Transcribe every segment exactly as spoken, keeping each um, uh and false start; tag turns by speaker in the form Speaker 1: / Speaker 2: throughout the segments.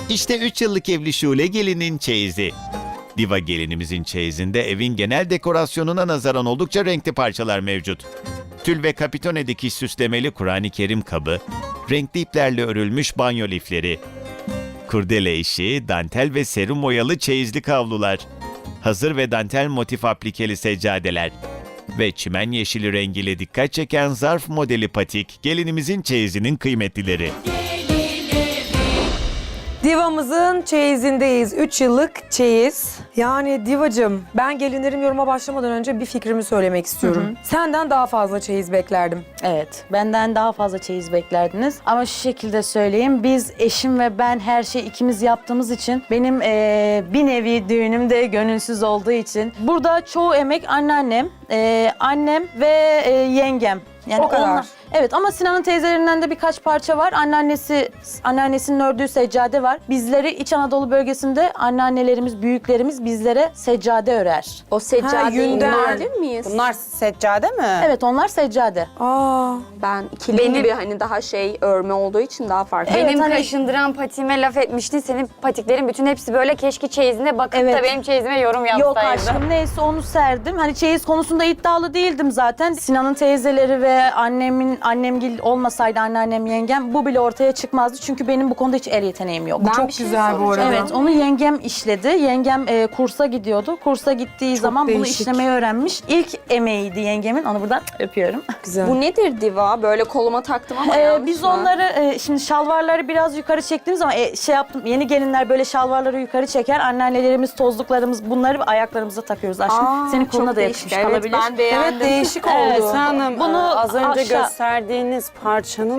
Speaker 1: İşte üç yıllık evli Şule gelinin çeyizi. Diva gelinimizin çeyizinde evin genel dekorasyonuna nazaran oldukça renkli parçalar mevcut. Tül ve kapitone dikiş süslemeli Kur'an-ı Kerim kabı, renkli iplerle örülmüş banyo lifleri, kurdele işi, dantel ve serum oyalı çeyizlik havlular, hazır ve dantel motif aplikeli seccadeler ve çimen yeşili rengiyle dikkat çeken zarf modeli patik gelinimizin çeyizinin kıymetlileri.
Speaker 2: Divamızın çeyizindeyiz. üç yıllık çeyiz. Yani divacım, ben gelinlerim yoruma başlamadan önce bir fikrimi söylemek istiyorum.
Speaker 3: Hı hı.
Speaker 2: Senden daha fazla çeyiz beklerdim.
Speaker 3: Evet, benden daha fazla çeyiz beklerdiniz. Ama şu şekilde söyleyeyim, biz eşim ve ben her şeyi ikimiz yaptığımız için benim eee, bir nevi düğünüm de gönülsüz olduğu için burada çoğu emek anneannem, eee, annem ve eee, yengem. Yani
Speaker 2: O kadar.
Speaker 3: onlar- evet ama Sinan'ın teyzelerinden de birkaç parça var. Anneannesi, anneannesinin ördüğü seccade var. Bizleri İç Anadolu bölgesinde anneannelerimiz, büyüklerimiz bizlere seccade örer.
Speaker 4: O
Speaker 2: Ha,
Speaker 4: seccadeyi
Speaker 2: yünden.
Speaker 4: görebilir miyiz?
Speaker 5: Bunlar seccade mi?
Speaker 3: Evet, onlar seccade.
Speaker 2: Aa,
Speaker 4: Ben ikili
Speaker 6: Benim-
Speaker 4: gibi hani daha şey örme olduğu için daha farklı.
Speaker 3: Evet,
Speaker 6: Benim
Speaker 3: hani-
Speaker 6: kaşındıran patiğime laf etmiştin. Senin patiklerin bütün hepsi böyle keşke çeyizine bakıp
Speaker 3: Evet.
Speaker 6: da benim çeyizime yorum
Speaker 3: Yok
Speaker 6: yapsaydı.
Speaker 3: aşkım, neyse onu serdim. Hani çeyiz konusunda iddialı değildim zaten. Sinan'ın teyzeleri ve annemin annemgil olmasaydı, anneannem, yengem, bu bile ortaya çıkmazdı. Çünkü benim bu konuda hiç el yeteneğim yok.
Speaker 4: Ben
Speaker 2: çok
Speaker 4: bir şey
Speaker 2: güzel bu arada.
Speaker 3: Evet, onu yengem işledi. Yengem e, kursa gidiyordu. Kursa gittiği zaman bunu
Speaker 2: değişik.
Speaker 3: işlemeyi öğrenmiş. İlk emeğiydi yengemin. Onu buradan öpüyorum.
Speaker 2: Güzel.
Speaker 4: Bu nedir diva? Böyle koluma taktım ama
Speaker 3: Ee,
Speaker 4: yanlış
Speaker 3: biz
Speaker 4: mı?
Speaker 3: onları e, şimdi şalvarları biraz yukarı çektiğimiz zaman e, şey yaptım. Yeni gelinler böyle şalvarları yukarı çeker. Anneannelerimiz, tozluklarımız bunları ayaklarımıza takıyoruz aşkım.
Speaker 4: Aa,
Speaker 3: Senin
Speaker 4: çok
Speaker 3: koluna da
Speaker 4: değişik.
Speaker 3: yakışmış
Speaker 4: Evet,
Speaker 3: kalabilir.
Speaker 4: ben beğendim.
Speaker 2: Evet, değişik oldu.
Speaker 3: Evet.
Speaker 5: Esra Hanım,
Speaker 3: Bunu
Speaker 5: e, az önce
Speaker 3: aşağı-
Speaker 5: gösterdiğiniz parçanın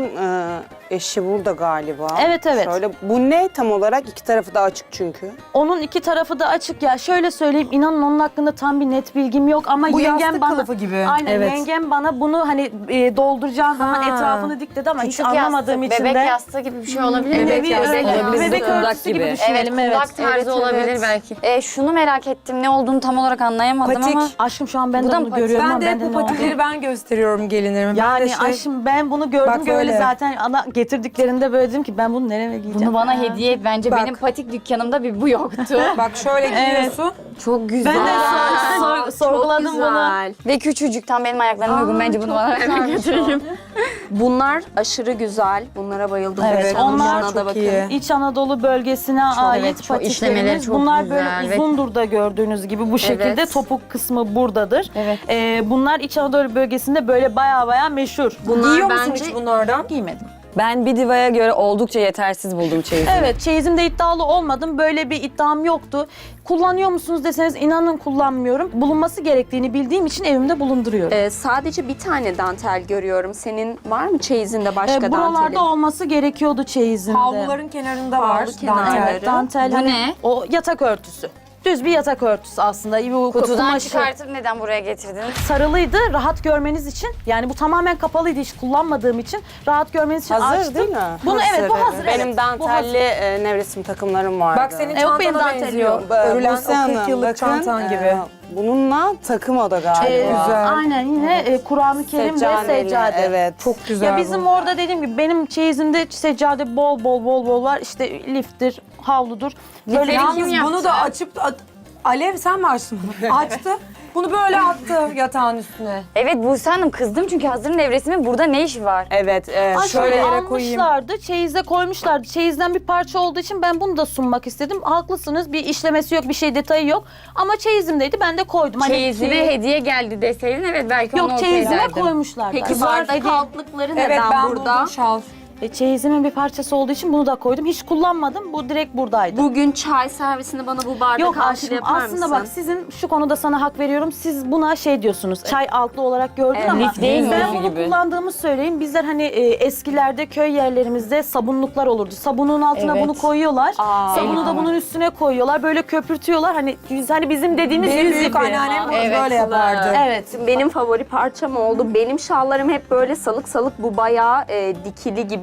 Speaker 5: e, eşi burada galiba.
Speaker 3: Evet, evet.
Speaker 5: Şöyle, bu ne tam olarak? İki tarafı da açık çünkü.
Speaker 3: Onun iki tarafı da açık ya. Şöyle söyleyeyim, inanın onun hakkında tam bir net bilgim yok ama
Speaker 2: Bu
Speaker 3: yengem
Speaker 2: yastık
Speaker 3: bana
Speaker 2: kılıfı gibi.
Speaker 3: Aynen,
Speaker 2: Evet.
Speaker 3: yengem bana bunu hani e, dolduracağın zaman
Speaker 2: Ha.
Speaker 3: etrafını dik dedi ama hiç
Speaker 6: Küçük
Speaker 3: anlamadığım
Speaker 6: yastık,
Speaker 3: için de
Speaker 6: bebek yastığı gibi bir şey olabilir mi?
Speaker 3: Nevi
Speaker 4: yastığı
Speaker 3: öyle-
Speaker 4: olabilir.
Speaker 3: bebek
Speaker 4: Kundak
Speaker 3: örtüsü gibi,
Speaker 4: gibi.
Speaker 6: Evet,
Speaker 3: düşünelim. Evet,
Speaker 6: kulak tarzı
Speaker 4: Evet,
Speaker 6: olabilir
Speaker 4: evet.
Speaker 6: belki. E, şunu merak ettim, ne olduğunu tam olarak anlayamadım
Speaker 2: Patik.
Speaker 6: ama...
Speaker 3: Aşkım şu an ben
Speaker 6: Bu
Speaker 3: de
Speaker 6: da
Speaker 3: bunu
Speaker 6: mı patik?
Speaker 3: görüyorum
Speaker 2: Ben
Speaker 3: ama
Speaker 2: de hep
Speaker 3: bende
Speaker 2: bu
Speaker 3: ne oldu?
Speaker 2: patikleri ben gösteriyorum gelinlerime. Ben de
Speaker 3: Yani
Speaker 2: şey-
Speaker 3: aşkım ben bunu gördüm
Speaker 2: Bak
Speaker 3: böyle
Speaker 2: böyle.
Speaker 3: zaten ana getirdiklerinde böyle dedim ki ben bunu nereye giyeceğim?
Speaker 6: Bunu bana hediye et. Bence
Speaker 2: Bak.
Speaker 6: benim patik dükkanımda bir bu yoktu.
Speaker 2: Bak şöyle giyiyorsun.
Speaker 4: Çok güzel.
Speaker 3: Ben de sor- sor- sorguladım
Speaker 4: Çok
Speaker 3: bunu.
Speaker 4: güzel.
Speaker 6: Ve küçücük, tam benim ayaklarıma uygun. Bence bunu bana hemen götüreyim.
Speaker 4: Bunlar aşırı güzel. Bunlara bayıldım.
Speaker 3: Evet,
Speaker 4: Esra
Speaker 3: onlar
Speaker 4: Hanım'ına
Speaker 2: çok
Speaker 4: da bakın.
Speaker 2: iyi.
Speaker 3: İç Anadolu bölgesine ait
Speaker 6: evet, çok
Speaker 3: patiklerimiz.
Speaker 6: işlemeleri çok
Speaker 3: Bunlar
Speaker 6: güzel
Speaker 3: böyle
Speaker 6: ve-
Speaker 3: uzundur da gördüğünüz gibi bu şekilde
Speaker 4: Evet.
Speaker 3: topuk kısmı buradadır.
Speaker 6: Evet.
Speaker 3: Ee, bunlar İç Anadolu bölgesinde böyle baya baya meşhur.
Speaker 4: Bunlar
Speaker 2: Giyiyor musun
Speaker 4: bence
Speaker 2: hiç bunlardan?
Speaker 3: Giymedim.
Speaker 7: Ben bir divaya göre oldukça yetersiz buldum çeyizi.
Speaker 3: Evet, çeyizimde iddialı olmadım. Böyle bir iddiam yoktu. Kullanıyor musunuz deseniz inanın kullanmıyorum. Bulunması gerektiğini bildiğim için evimde bulunduruyorum.
Speaker 4: Ee, sadece bir tane dantel görüyorum. Senin var mı çeyizinde başka
Speaker 3: Ee, buralarda
Speaker 4: dantelin?
Speaker 3: olması gerekiyordu çeyizimde.
Speaker 4: Havluların
Speaker 2: kenarında var.
Speaker 4: Havlu kenarları.
Speaker 2: dantel.
Speaker 3: Evet, dantel
Speaker 6: Bu
Speaker 3: hani
Speaker 6: ne?
Speaker 3: o yatak örtüsü. Düz bir yatak örtüsü aslında. Bu
Speaker 6: Kutudan
Speaker 3: kumaşı
Speaker 6: çıkartıp neden buraya getirdiniz?
Speaker 3: sarılıydı, rahat görmeniz için. Yani bu tamamen kapalıydı, hiç kullanmadığım için. Rahat görmeniz için
Speaker 5: Hazır
Speaker 3: açtım.
Speaker 5: değil mi?
Speaker 3: Bunu
Speaker 2: Hazır,
Speaker 3: evet, bu
Speaker 2: evet.
Speaker 3: hazır.
Speaker 5: Benim
Speaker 3: evet. Bu hazır.
Speaker 5: dantelli e, nevresim takımlarım vardı.
Speaker 2: Bak senin
Speaker 3: E, yok, benim
Speaker 2: çantana
Speaker 3: dantel
Speaker 2: benziyor.
Speaker 3: yok.
Speaker 2: Örülen
Speaker 5: Buse
Speaker 2: o
Speaker 5: Hanım,
Speaker 2: kırk yıllık
Speaker 5: bakın,
Speaker 2: çantan
Speaker 5: e,
Speaker 2: gibi.
Speaker 5: bununla takım o da galiba.
Speaker 3: Ee,
Speaker 2: güzel.
Speaker 3: Aynen, yine e, Kur'an-ı Kerim ve
Speaker 5: Seccadeli,
Speaker 3: seccade.
Speaker 5: Evet.
Speaker 2: Çok güzel
Speaker 3: Ya bizim
Speaker 2: bu.
Speaker 3: orada dediğim gibi benim çeyizimde seccade bol bol bol bol var. İşte liftir, havludur. Böyle
Speaker 6: Lifleri
Speaker 3: yalnız
Speaker 6: kim yaptı?
Speaker 2: Bunu da açıp... a- Alev sen mi açtın bunu? Açtı. Bunu böyle attı yatağın üstüne.
Speaker 6: Evet Buse Hanım, kızdım çünkü hazır nevresimin burada ne işi var?
Speaker 5: Evet, e,
Speaker 3: Ay,
Speaker 5: şöyle
Speaker 2: yere koyayım.
Speaker 3: almışlardı, çeyize koymuşlardı. Çeyizden bir parça olduğu için ben bunu da sunmak istedim. Haklısınız, bir işlemesi yok, bir şey detayı yok. Ama çeyizimdeydi, ben de koydum. Hani
Speaker 6: Çeyizine hediye geldi deseydin evet belki onu
Speaker 3: Yok,
Speaker 6: ortaya
Speaker 3: çeyizime
Speaker 6: derdim.
Speaker 3: koymuşlar.
Speaker 4: Peki
Speaker 3: da.
Speaker 4: bardak
Speaker 3: Hediye-
Speaker 4: altlıkları neden
Speaker 2: Evet ben
Speaker 4: burada?
Speaker 2: buldum şal.
Speaker 3: E, çeyizimin bir parçası olduğu için bunu da koydum. Hiç kullanmadım, bu direkt buradaydı.
Speaker 4: Bugün çay servisinde bana bu bardak
Speaker 3: Yok
Speaker 4: altı
Speaker 3: aşkım,
Speaker 4: yapar
Speaker 3: aslında
Speaker 4: mısın?
Speaker 3: bak sizin şu konuda sana hak veriyorum. Siz buna şey diyorsunuz, çay altlı olarak gördün
Speaker 4: Evet,
Speaker 3: ama
Speaker 6: lif değil mi?
Speaker 3: ben
Speaker 6: Lifi
Speaker 3: bunu
Speaker 7: gibi.
Speaker 3: kullandığımı söyleyeyim. Bizler hani e, eskilerde köy yerlerimizde sabunluklar olurdu. Sabunun altına
Speaker 6: Evet.
Speaker 3: bunu koyuyorlar.
Speaker 4: Aa,
Speaker 3: Sabunu
Speaker 4: evet.
Speaker 3: da bunun üstüne koyuyorlar. Böyle köpürtüyorlar. Hani yüz- hani bizim dediğimiz
Speaker 2: Benim
Speaker 3: yüz
Speaker 2: büyük
Speaker 3: ipi.
Speaker 2: anneannem bunu
Speaker 6: Evet.
Speaker 2: böyle yapardı.
Speaker 3: Evet.
Speaker 4: Benim favori parçam oldu. Benim şallarım hep böyle salık salık, bu bayağı e, dikili gibi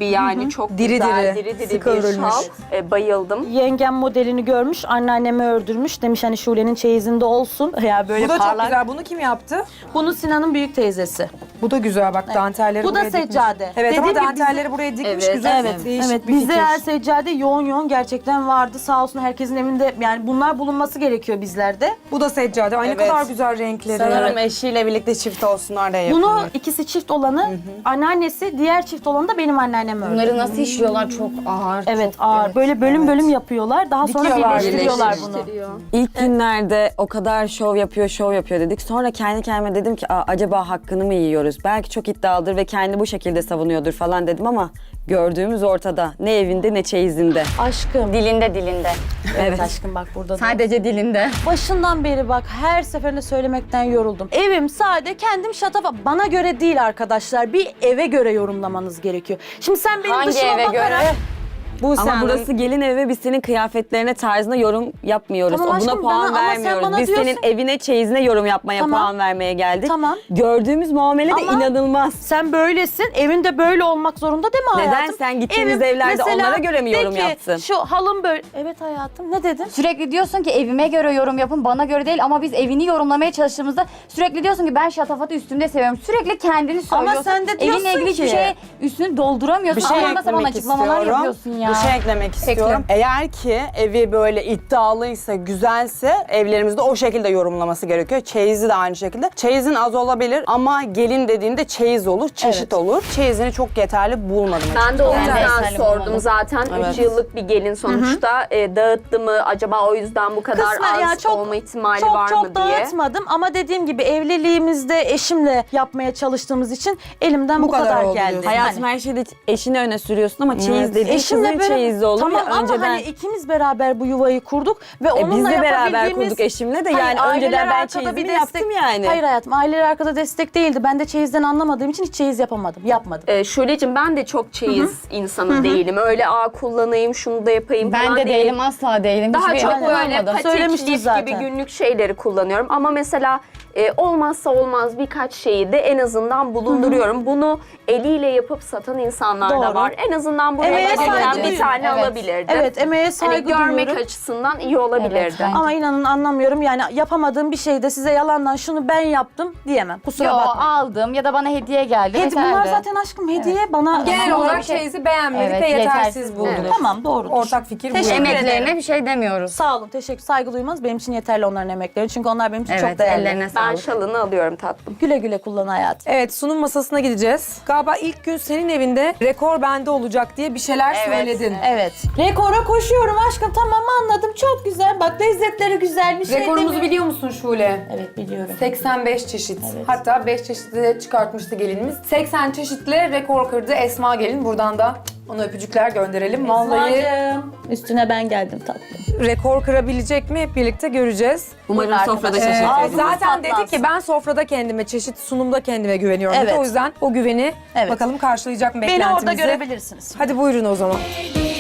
Speaker 4: gibi yani çok
Speaker 2: Diri
Speaker 4: güzel,
Speaker 2: diri,
Speaker 4: diri diri
Speaker 2: sıkı
Speaker 4: bir
Speaker 2: örülmüş.
Speaker 4: şal. E, bayıldım.
Speaker 3: Yengem modelini görmüş, anneanneme ördürmüş. Demiş hani Şule'nin çeyizinde olsun. Ya böyle
Speaker 2: Bu da çok
Speaker 3: parlak.
Speaker 2: güzel. Bunu kim yaptı?
Speaker 3: Bunu Sinan'ın büyük teyzesi.
Speaker 2: Bu da güzel bak dantelleri
Speaker 3: Bu da
Speaker 2: buraya dikmiş.
Speaker 3: seccade.
Speaker 2: Evet ama
Speaker 3: Dediğim gibi
Speaker 2: dantelleri buraya dikmiş
Speaker 6: Evet,
Speaker 2: güzel.
Speaker 3: Evet,
Speaker 2: Değişik
Speaker 3: evet.
Speaker 2: bir
Speaker 3: Bizde
Speaker 2: fikir.
Speaker 3: her seccade yoğun yoğun gerçekten vardı. Sağ olsun herkesin evinde yani bunlar bulunması gerekiyor bizlerde.
Speaker 2: Bu da seccade. Ay ne
Speaker 5: Evet.
Speaker 2: kadar güzel renkleri.
Speaker 5: Sanırım eşiyle birlikte çift olsunlar diye
Speaker 3: Bunu
Speaker 5: yapılıyor.
Speaker 3: ikisi çift olanı anneannesi, diğer çift olanı da benim anneannem ördü.
Speaker 6: Bunları nasıl işliyorlar çok ağır.
Speaker 3: Evet
Speaker 6: çok,
Speaker 3: ağır.
Speaker 6: evet.
Speaker 3: Böyle bölüm bölüm yapıyorlar. Daha sonra
Speaker 2: Dikiyorlar,
Speaker 3: birleştiriyorlar bunu.
Speaker 7: İlk günlerde o kadar şov yapıyor, şov yapıyor dedik. Sonra kendi kendime dedim ki Aa, acaba hakkını mı yiyoruz? Belki çok iddialıdır ve kendi bu şekilde savunuyordur falan dedim ama gördüğümüz ortada. Ne evinde ne çeyizinde.
Speaker 3: Aşkım.
Speaker 6: Dilinde dilinde.
Speaker 3: Evet aşkım bak burada da.
Speaker 6: Sadece dilinde.
Speaker 3: Başından beri bak her seferinde söylemekten yoruldum. Evim sade kendim şatafa. Bana göre değil arkadaşlar. Bir eve göre yorumlamanız gerekiyor. Şimdi sen benim
Speaker 6: Hangi
Speaker 3: dışıma
Speaker 6: eve
Speaker 3: bakarak...
Speaker 6: göre?
Speaker 7: Bu ama
Speaker 5: Hanım-
Speaker 7: burası gelin evi ve biz senin kıyafetlerine, tarzına yorum yapmıyoruz.
Speaker 3: Tamam
Speaker 7: O buna
Speaker 3: aşkım,
Speaker 7: puan
Speaker 3: bana- ama sen
Speaker 7: vermiyoruz.
Speaker 3: bana
Speaker 7: Biz
Speaker 3: diyorsun-
Speaker 7: senin evine, çeyizine yorum yapmaya,
Speaker 3: Tamam.
Speaker 7: puan vermeye geldik.
Speaker 3: Tamam.
Speaker 7: Gördüğümüz muamele de
Speaker 3: Ama-
Speaker 7: inanılmaz.
Speaker 3: Sen böylesin. Evinde böyle olmak zorunda değil mi
Speaker 7: Neden?
Speaker 3: hayatım?
Speaker 7: Sen gittiğimiz evlerde
Speaker 3: mesela
Speaker 7: onlara göre mi
Speaker 3: de
Speaker 7: yorum
Speaker 3: ki,
Speaker 7: yaptın?
Speaker 3: Şu halım böyle. Evet hayatım ne dedin?
Speaker 6: Sürekli diyorsun ki evime göre yorum yapın, bana göre değil ama biz evini yorumlamaya çalıştığımızda sürekli diyorsun ki ben şatafatı üstümde seviyorum. Sürekli kendini söylüyorsun.
Speaker 3: sen de diyorsun
Speaker 6: Evinle ilgili hiçbir
Speaker 3: ki-
Speaker 6: şeye üstünü dolduramıyorsun.
Speaker 5: Bir şey
Speaker 6: ama nasıl bana
Speaker 5: eklemek
Speaker 6: açıklamalar
Speaker 5: istiyorum.
Speaker 6: yapıyorsun ya.
Speaker 5: Bir şey eklemek istiyorum. Eğer ki evi böyle iddialıysa, güzelse evlerimizde o şekilde yorumlaması gerekiyor. Çeyizi de aynı şekilde. Çeyizin az olabilir ama gelin dediğinde çeyiz olur, çeşit olur. Çeyizini çok yeterli bulmadım.
Speaker 4: Ben de o
Speaker 6: Ben de
Speaker 4: yüzden
Speaker 6: yeterli
Speaker 4: sordum
Speaker 6: bulmadım.
Speaker 4: zaten.
Speaker 5: Evet.
Speaker 4: üç yıllık bir gelin sonuçta. E, dağıttı mı? Acaba o yüzden bu kadar
Speaker 3: Kısmen
Speaker 4: az
Speaker 3: ya çok-
Speaker 4: olma ihtimali
Speaker 3: Çok
Speaker 4: var
Speaker 3: çok
Speaker 4: mı diye.
Speaker 3: dağıtmadım ama dediğim gibi evliliğimizde eşimle yapmaya çalıştığımız için elimden bu,
Speaker 2: Bu kadar
Speaker 3: kadar,
Speaker 2: oldu
Speaker 3: geldi.
Speaker 2: diyorsun.
Speaker 7: Hayatım her şeyde eşini öne sürüyorsun ama çeyiz dediğin
Speaker 3: Eşimle
Speaker 7: kızın
Speaker 3: böyle-
Speaker 7: çeyizi olur
Speaker 3: tamam
Speaker 7: ya
Speaker 3: ama
Speaker 7: önceden.
Speaker 3: hani ikimiz beraber bu yuvayı kurduk ve
Speaker 7: E
Speaker 3: onunla
Speaker 7: biz de beraber
Speaker 3: yapabildiğimiz-
Speaker 7: kurduk eşimle de
Speaker 3: Hayır,
Speaker 7: yani
Speaker 3: aileler
Speaker 7: önceden ben
Speaker 3: arkada bir
Speaker 7: çeyizimi
Speaker 3: destek-
Speaker 7: yaptım yani.
Speaker 3: Hayır hayatım aileler arkada destek değildi. Ben de çeyizden anlamadığım için hiç çeyiz yapamadım. Yapmadım.
Speaker 4: Ee, Şule'cim ben de çok çeyiz insanı değilim. Öyle aa kullanayım, şunu da yapayım
Speaker 6: Ben
Speaker 4: falan
Speaker 6: de
Speaker 4: değilim.
Speaker 6: değilim, asla değilim.
Speaker 4: Daha
Speaker 6: Hiçbir
Speaker 4: çok
Speaker 6: evde
Speaker 4: böyle
Speaker 6: olmadı.
Speaker 4: patik,
Speaker 3: Söylemiştin
Speaker 4: lif
Speaker 3: zaten.
Speaker 4: gibi günlük şeyleri kullanıyorum. Ama mesela e, olmazsa olmaz birkaç şeyi de en azından bulunduruyorum. Bunu eliyle yapıp satan insanlar da
Speaker 3: Doğru.
Speaker 4: var. En azından buraya
Speaker 3: Emeğe
Speaker 4: gelirken
Speaker 3: saygı
Speaker 4: bir
Speaker 3: duyuyorum.
Speaker 4: tane
Speaker 6: Evet.
Speaker 4: alabilirdim.
Speaker 3: Evet emeğe
Speaker 4: Hani
Speaker 3: saygı
Speaker 4: görmek
Speaker 3: duyuyorum.
Speaker 4: açısından iyi olabilirdi.
Speaker 6: Evet, bence.
Speaker 3: Ama inanın anlamıyorum yani yapamadığım bir şeyde size yalandan şunu ben yaptım diyemem. Kusura
Speaker 6: Yo,
Speaker 3: bakma.
Speaker 6: aldım ya da bana hediye geldi.
Speaker 3: Hedi,
Speaker 6: yeterli.
Speaker 3: bunlar zaten aşkım hediye bana.
Speaker 2: Genel
Speaker 6: Ama
Speaker 2: olarak
Speaker 6: bir şey-
Speaker 2: çeyizi beğenmedik
Speaker 6: Evet,
Speaker 2: ve yetersiz
Speaker 6: yetersiz
Speaker 2: bulduk.
Speaker 6: bulduk.
Speaker 3: Tamam doğrudur.
Speaker 2: Ortak fikir bu.
Speaker 3: Teşekkür
Speaker 2: yani.
Speaker 6: Emeklerine bir şey demiyoruz.
Speaker 3: Sağ olun teşekkür saygı duymanız benim için yeterli onların emekleri. Çünkü onlar benim için
Speaker 6: Evet,
Speaker 3: çok değerli.
Speaker 6: ellerine
Speaker 4: Ben
Speaker 6: sağlık.
Speaker 4: şalını alıyorum tatlım.
Speaker 3: Güle güle kullan hayatım.
Speaker 2: Evet sunum masasına gideceğiz. Galiba ilk gün senin evinde rekor bende olacak diye bir şeyler söyledin.
Speaker 3: Evet. Rekora koşuyorum aşkım tamam anladım çok güzel. Bak lezzetleri güzel bir şey
Speaker 2: Rekorumuzu
Speaker 3: demiyorum.
Speaker 2: biliyor musun Şule?
Speaker 3: Evet biliyorum.
Speaker 2: seksen beş çeşit. Hatta beş çeşitli çıkartmıştı gelinimiz. seksen çeşitle rekor kırdı Esma gelin. Buradan da ona öpücükler gönderelim. Vallahi
Speaker 3: Esma'cığım, üstüne ben geldim tatlım.
Speaker 2: rekor kırabilecek mi hep birlikte göreceğiz.
Speaker 7: Umarım
Speaker 3: Buyurun
Speaker 7: sofrada
Speaker 3: arkadaşlar.
Speaker 2: Ee,
Speaker 7: şaşırtırız.
Speaker 3: Ağzınız
Speaker 2: zaten dedi
Speaker 3: patlansın.
Speaker 2: ki ben sofrada kendime, çeşit sunumda kendime güveniyorum. dedi.
Speaker 3: Evet.
Speaker 2: O yüzden o güveni
Speaker 3: Evet.
Speaker 2: bakalım karşılayacak mı
Speaker 3: Beni
Speaker 2: beklentimizi.
Speaker 3: orada görebilirsiniz.
Speaker 2: Hadi buyurun o zaman.